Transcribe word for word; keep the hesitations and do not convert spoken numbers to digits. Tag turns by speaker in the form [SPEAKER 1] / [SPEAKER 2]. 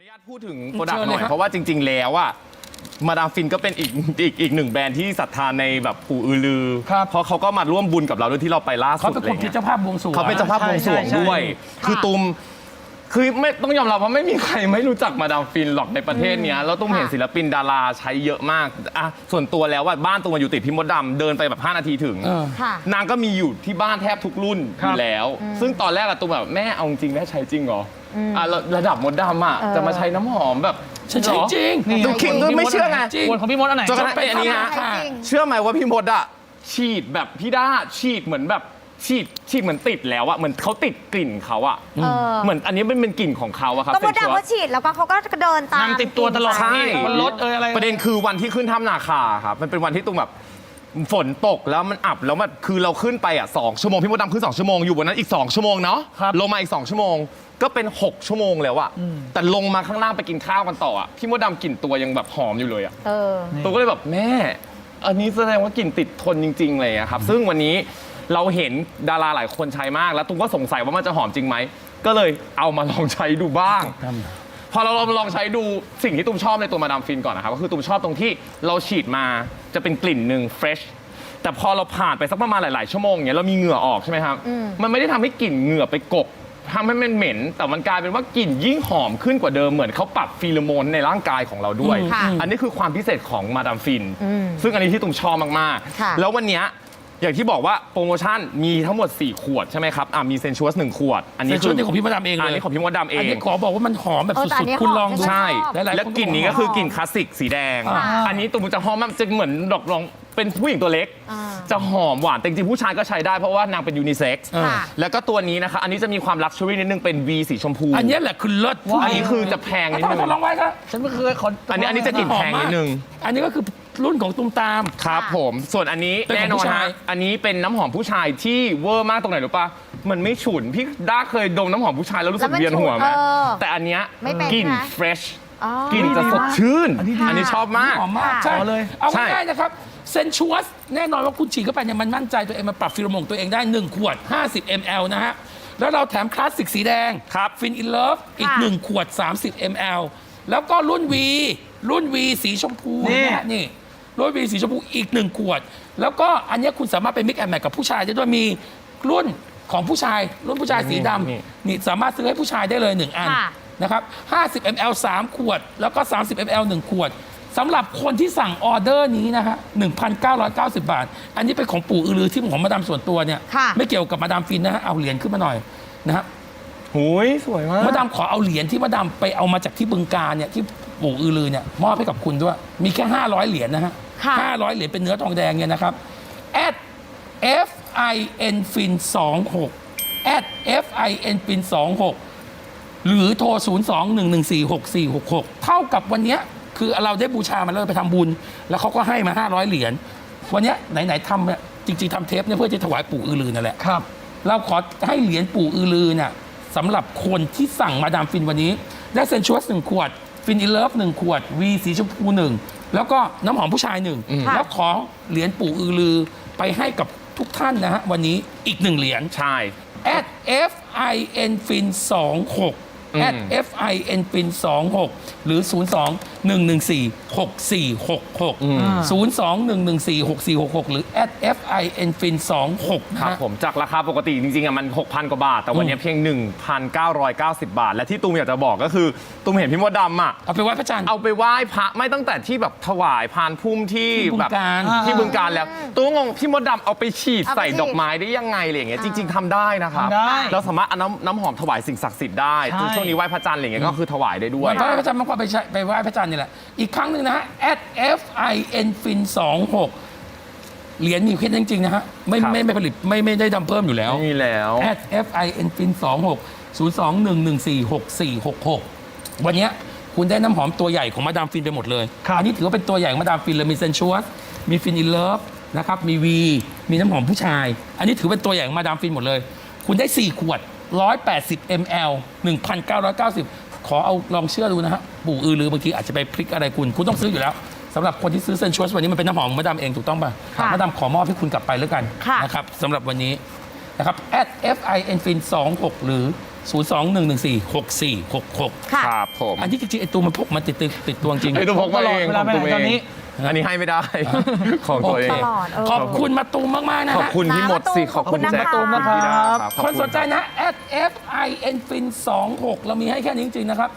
[SPEAKER 1] ญาตพูดถึงโปรดักต์หน่อยเพราะว่าจริงๆแล้วอะมาดามฟินก็เป็นอีกอีกอีกหนึ่งแบรนด์ที่ศรัทธาในแบบปู่อือลือเพราะเขาก็มาร่วมบุญกับเราด้วยที่เราไปล่าสุด
[SPEAKER 2] เขาเป็นคนที่เจ้าภาพบวงสรวง
[SPEAKER 1] เขาเป็นเจ้าภาพบวงสรวงด้วยคือตูมคือไม่ต้องยอมรับว่าไม่มีใครไม่รู้จักมาดามฟินหรอกในประเทศเนี้ยแล้วตุ้มเห็นศิลปินดาราใช้เยอะมากอ่ะส่วนตัวแล้วว่าบ้านตุ้มอยู่ติดพี่มดดำเดินไปแบบห้านาทีถึงนางก็มีอยู่ที่บ้านแทบทุกรุ่นอยู่แล้ว ซึ่งตอนแรกอะตุ้มแบบแม่เอาจริงแม่ใช้จริงเหรออ่ะระดับมดดำอะจะมาใช้น้ำหอมแบบ
[SPEAKER 2] ฉันใช้จริง
[SPEAKER 1] ดูคิงก็ไม่เชื่อไง
[SPEAKER 3] คนของพี่มดอันไหน
[SPEAKER 1] จนกระทั่งอันนี้ฮะเชื่อไหมว่าพี่มดอะฉีดแบบพี่ด้าฉีดเหมือนแบบฉีดฉีดเหมือนติดแล้วอะเหมือนเขาติดกลิ่นเขาอะเหมือนอันนี้เป็นเป็นกลิ่นของเขาอะครับ
[SPEAKER 4] ก็มดดำเขาฉีดแล้วก็เขาก็เดินตาม
[SPEAKER 3] นางติดตัวตลอด
[SPEAKER 1] ใช่
[SPEAKER 3] มันรถเอออะไร
[SPEAKER 1] ประเด็นคือวันที่ขึ้นถ้ำนาคาครับมันเป็นวันที่ตุ้มแบบฝนตกแล้วมันอับแล้วมันคือเราขึ้นไปอ่ะสองชั่วโมงพี่มดดำขึ้นสองชั่วโมงอยู่บนนั้นอีกสองชั่วโมงเนาะลงมาอีกสองชั่วโมงก็เป็นหกชั่วโมงแล้วอะแต่ลงมาข้างล่างไปกินข้าวกันต่ออะพี่มดดำกลิ่นตัวยังแบบหอมอยู่เลยอะตัวก็เลยแบบแม่อันนี้แสดงว่ากลิ่นติดทนจริงๆเลยอะครับซึ่งวันนี้เราเห็นดาราหลายคนใช้มากแล้วตุ้มก็สงสัยว่ามันจะหอมจริงไหมก็เลยเอามาลองใช้ดูบ้างพอเราลองใช้ดูสิ่งที่ตุ้มชอบในตัวมาดามฟินก่อนนะครับก็คือตุ้มชอบตรงที่เราฉีดมาจะเป็นกลิ่นหนึ่งเฟรชแต่พอเราผ่านไปสักประมาณหลายๆชั่วโมงเนี้ยเรามีเหงื่อออกใช่ไหมครับมันไม่ได้ทำให้กลิ่นเหงื่อไปกบทำให้มันเหม็นแต่มันกลายเป็นว่ากลิ่นยิ่งหอมขึ้นกว่าเดิมเหมือนเขาปรับฟีโรโมนในร่างกายของเราด้วยอันนี้คือความพิเศษของมาดามฟินซึ่งอันนี้ที่ตุ้มชอบมากๆแล้ววันนี้อย่างที่บอกว่าโปรโมชั่นมีทั้งหมดสี่ขวดใช่ไหมครับอ่ะมีเซนชัวสหนึ่งขวดอันนี้
[SPEAKER 2] คือของพี่มดดำเองเลย
[SPEAKER 1] อันนี้ของพี่มดดำเอง
[SPEAKER 2] อันนี้ขอบอกว่ามันหอมแบบสุดๆคุณลองดู
[SPEAKER 1] ใช่แล้วกลิ่นนี้ก็คือกลิ่นคลาสสิกสีแดงอันนี้ตุ้มจะหอมมากจะเหมือนดอกรองเป็นผู้หญิงตัวเล็กจะหอมหวานแต่จริงๆผู้ชายก็ใช้ได้เพราะว่านางเป็นยูนิเซ็กซ์แล้วก็ตัวนี้นะคะอันนี้จะมีความลักชัวรี่นิดนึงเป็น V สีชมพู
[SPEAKER 2] อันนี้แหละคือเลิศ
[SPEAKER 1] อันนี้คือจะแพงนิดนึง
[SPEAKER 2] ลองไว้ครับ
[SPEAKER 3] ฉันไม่เคยขอ
[SPEAKER 1] อันนี้อันนี้จะกลิ่นแพงนิดนึง
[SPEAKER 2] อันนี้ก็คือรุ่นของตุ้มตาม
[SPEAKER 1] ครับผมส่วนอันนี้แน่นอนฮะอันนี้เป็นน้ำหอมผู้ชายที่เวอร์มากตรงไหนรู้ป่ะมันไม่ฉุนพี่ด้าเคยดมน้ำหอมผู้ชายแล้วรู้สึกเวียนหัวไหมแต่อันเนี้ยกลิ่นเฟรชกลิ่นจะสดชื่นอันนี้ชอบมาก
[SPEAKER 2] หอมมากใช่เลยเอาง่ายๆนะครับเซนชัวสแน่นอนว่าคุณฉีดเข้าไปเนี่ยมันมั่นใจตัวเองมันปรับฟีโรโมนตัวเองได้หนึ่งขวดห้าสิบมิลลิลิตร นะฮะแล้วเราแถมคลาสสิกสีแดงฟินอินเลิฟอีกหนึ่งขวดสามสิบมิลลิลิตร แล้วก็รุ่น V รุ่น V สีชมพูนี่นี่รุ่น V สีชมพูอีกหนึ่งขวดแล้วก็อันนี้คุณสามารถไปมิกแอนด์แมทกับผู้ชายได้ด้วยมีรุ่นของผู้ชายรุ่นผู้ชายสีดำนี่สามารถซื้อให้ผู้ชายได้เลยหนึ่งอันนะครับห้าสิบมิลลิลิตร สามขวดแล้วก็สามสิบมิลลิลิตร หนึ่งขวดสำหรับคนที่สั่งออเดอร์นี้นะฮะ หนึ่งพันเก้าร้อยเก้าสิบ บาทอันนี้เป็นของปู่อือลือที่ของมาดามส่วนตัวเนี่ยไม่เกี่ยวกับมาดามฟินนะฮะเอาเหรียญขึ้นมาหน่อยนะครับ
[SPEAKER 1] โหยสวยมาก
[SPEAKER 2] มาดามขอเอาเหรียญที่มาดามไปเอามาจากที่บึงกาฬเนี่ยที่ปู่อือลือเนี่ยมอบให้กับคุณด้วยมีแค่ห้าร้อยเหรียญนะฮะห้าร้อยเหรียญเป็นเนื้อทองแดงเนี่ยนะครับ at fin fin สองหก at fin fin สองหกหรือโทรศูนย์ สอง หนึ่ง หนึ่ง สี่ หก สี่ หก หกเท่ากับวันนี้คือเราได้บูชามันแล้วไปทำบุญแล้วเขาก็ให้มาห้าร้อยเหรียญวันนี้ไหนๆทำเนี่ยจริงๆทำเทปเนี่ยเพื่อจะถวายปู่อือลือนั่นแหละ
[SPEAKER 3] ครับ
[SPEAKER 2] เราขอให้เหรียญปู่อือลือเนี่ยสำหรับคนที่สั่งมาดามฟินวันนี้ได้เซนชัวสหนึ่งขวดฟินอินเลิฟหนึ่งขวดวีสีชมพูหนึ่งแล้วก็น้ำหอมผู้ชายหนึ่งแล้วขอเหรียญปู่อือลือไปให้กับทุกท่านนะฮะวันนี้อีกหนึ่งเหรียญ
[SPEAKER 1] ใช่
[SPEAKER 2] at fin fin สองหกat fin fin สองหกหรือ ศูนย์ สอง หนึ่ง หนึ่ง สี่ หก สี่ หก หก ศูนย์ สอง หนึ่ง หนึ่ง สี่ หก สี่ หก หกหรือ at fin fin สองหก
[SPEAKER 1] ครับผมจากราคาปกติจริงๆอ่ะมัน หกพัน กว่าบาทแต่วันนี้เพียง หนึ่งพันเก้าร้อยเก้าสิบ บาทและที่ตูมอยากจะบอกก็คือตูมเห็นพี่มดดำอ่ะ
[SPEAKER 2] เอาไปไหว้พระจันทร์
[SPEAKER 1] เอาไปไหว้พระไม่ตั้งแต่ที่แบบถวายพานพุ่มที่แบบที่บึงการแล้วตูมงงพี่มดดำเอาไปฉีดใส่ดอกไม้ได้ยังไงอะไรอย่างเงี้ยจริงๆทำได้นะครับเราสามารถเอาน้ำน้ำหอมถวายสิ่งศักดิ์สิทธิ์ได้ช่วงนี้ไหว้พระจันทร์อะไรอย่างเงี้ยก็คือถวายได้ด้วย
[SPEAKER 2] ไหว้พระจันทร์มากกว่าไปไปไหว้พระจันทร์นี่แหละอีกครั้งหนึ่งนะฮะ at fin fin สองหกเหรียญมีแค่จริงๆนะฮะไม่ไม่ไม่ผลิตไม่ไม่ได้ดำเพิ่มอยู่แล้ว
[SPEAKER 1] ไม่มีแล้ว
[SPEAKER 2] at fin fin สองหก ศูนย์ สอง หนึ่ง หนึ่ง สี่ หก สี่ หก หกวันนี้คุณได้น้ำหอมตัวใหญ่ของมาดามฟินไปหมดเลยอันนี้ถือว่าเป็นตัวใหญ่ของมาดามฟินเลยมีเซนชัวสมีฟินอินเลิฟนะครับมี V มีน้ำหอมผู้ชายอันนี้ถือเป็นตัวใหญ่ของมาดามฟินหมดเลยคุณได้สี่ขวดหนึ่งร้อยแปดสิบมิลลิลิตร หนึ่งพันเก้าร้อยเก้าสิบขอเอาลองเชื่อดูนะฮะปู่อือลือบางทีอาจจะไปพลิกอะไรคุณคุณต้องซื้ออยู่แล้วสำหรับคนที่ซื้อเซนชัวสวันนี้มันเป็นน้ำหอมของมาดามเองถูกต้องป่ะมาดามขอมอบให้คุณกลับไปแล้วกันนะครับสำหรับวันนี้นะครับ at fin fin สองหกหรือศูนย์สองหนึ่งหนึ่งสี่หกสี่หกหก
[SPEAKER 4] ค่ะ
[SPEAKER 1] ครับผม
[SPEAKER 2] อันที่จริงๆไอ้ตัวมันพกมันติดติดติดตัวจริง
[SPEAKER 1] ไอ้ตัวพกมาเอง
[SPEAKER 3] เวลา
[SPEAKER 1] ของตัว
[SPEAKER 3] ไปไหนตอนนี้
[SPEAKER 1] เองอันนี้ให้ไม่ได้ ของตัวเอง
[SPEAKER 4] ตลอดเออ
[SPEAKER 2] ขอบคุณมาตูมมาก ๆ นะ
[SPEAKER 1] ขอบ
[SPEAKER 2] ฮะ
[SPEAKER 1] คุณพี่มดสิขอบคุณ
[SPEAKER 4] ขอบคุณ
[SPEAKER 1] แจ็ค
[SPEAKER 4] นะคะ
[SPEAKER 1] ขอบคุณพี่ดาครับขอบ
[SPEAKER 2] คน
[SPEAKER 1] ณ
[SPEAKER 2] สนใจนะ at fin fin สองหกเรามีให้แค่นี้จริง ๆ นะครับ